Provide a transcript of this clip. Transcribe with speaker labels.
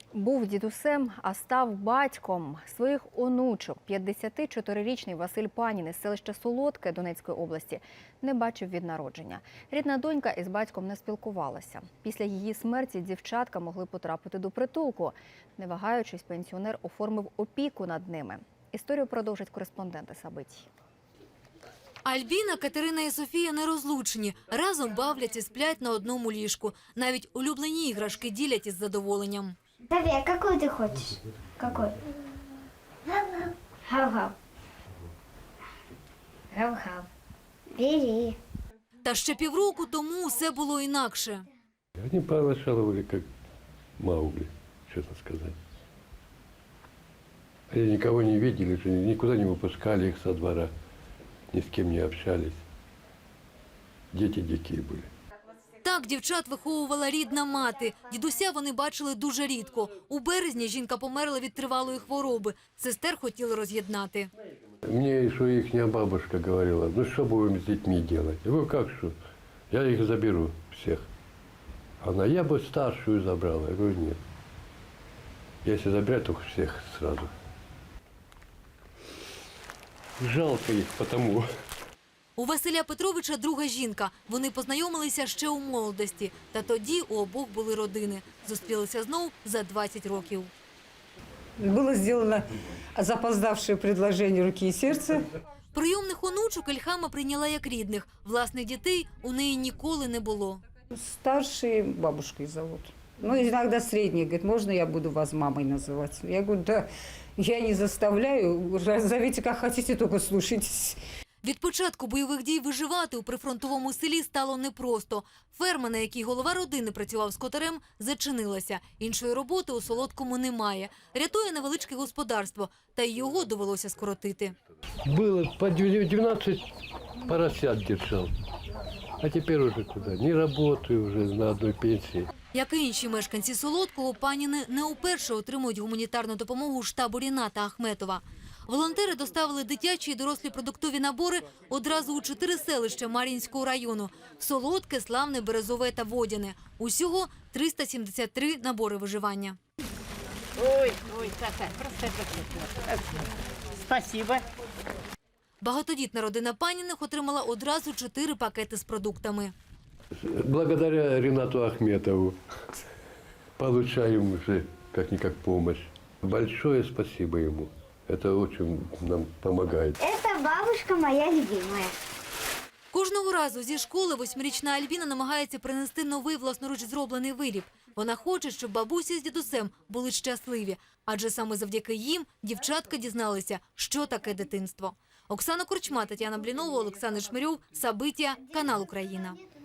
Speaker 1: Був дідусем, а став батьком своїх онучок. 54-річний Василь Панін із селища Солодке Донецької області не бачив від народження. Рідна донька із батьком не спілкувалася. Після її смерті дівчатка могли потрапити до притулку. Не вагаючись, пенсіонер оформив опіку над ними. Історію продовжать кореспонденти Сабитій.
Speaker 2: Альбіна, Катерина і Софія нерозлучні. Разом бавляться, сплять на одному ліжку. Навіть улюблені іграшки ділять із задоволенням.
Speaker 3: София, какую ты хочешь? Какой? Гав-гав. Гав-гав. Бери.
Speaker 2: Та ще півроку тому все було інакше.
Speaker 4: Они поначалу как Маугли, честно сказать. Они никого не видели, никуда не выпускали их со двора, ни с кем не общались. Дети дикие были.
Speaker 2: Так дівчат виховувала рідна мати. Дідуся вони бачили дуже рідко. У березні жінка померла від тривалої хвороби. Сестер хотіли роз'єднати.
Speaker 4: Мне еще их бабушка говорила, ну что будем с детьми делать? Я говорю, как что? Я их заберу всех. Она, я бы старшую забрала. Я говорю, нет. Если забирать, только всех сразу. Жалко их потому.
Speaker 2: У Василя Петровича друга жінка. Вони познайомилися ще у молодості. Та тоді у обох були родини. Зустрілися знов за 20 років.
Speaker 5: Было сделано запоздавшее предложение руки и сердца.
Speaker 2: Прийомних онучок Ільхама прийняла як рідних. Власних дітей у неї ніколи не було.
Speaker 5: Старший бабушкой зовут. Ну, иногда средний. Говорит, можно я буду вас мамой называть? Я говорю, да, я не заставляю. Зовите как хотите, только слушайтесь.
Speaker 2: Від початку бойових дій виживати у прифронтовому селі стало непросто. Ферма, на якій голова родини працював скотарем, зачинилася. Іншої роботи у Солодкому немає. Рятує невеличке господарство, та й його довелося скоротити.
Speaker 4: Было по 12 поросят держал. А теперь уже куда? Не работаю уже на одной пенсии.
Speaker 2: Як і інші мешканці Солодкого, паніни не уперше отримують гуманітарну допомогу штабу Ріната Ахметова. Волонтери доставили дитячі і дорослі продуктові набори одразу у 4 селища Мар'їнського району – Солодке, Славне, Березове та Водяне. Усього 373 набори виживання.
Speaker 6: Ой, просто спасибо.
Speaker 2: Багатодітна родина Паніних отримала одразу 4 пакети з продуктами.
Speaker 4: Благодаря Ринату Ахметову получаем уже как-никак помощь. Большое спасибо ему. Это очень нам помогает.
Speaker 3: Это бабушка моя любимая.
Speaker 2: Кожного разу зі школи 8-річна Альбіна намагається принести новий власноруч зроблений виріб. Вона хоче, щоб бабуся з дідусем були щасливі, адже саме завдяки їм дівчатка дізналися, що таке дитинство. Оксана Корчма, Тетяна Блінова, Олександр Шмирьов, Сабиття, канал Україна.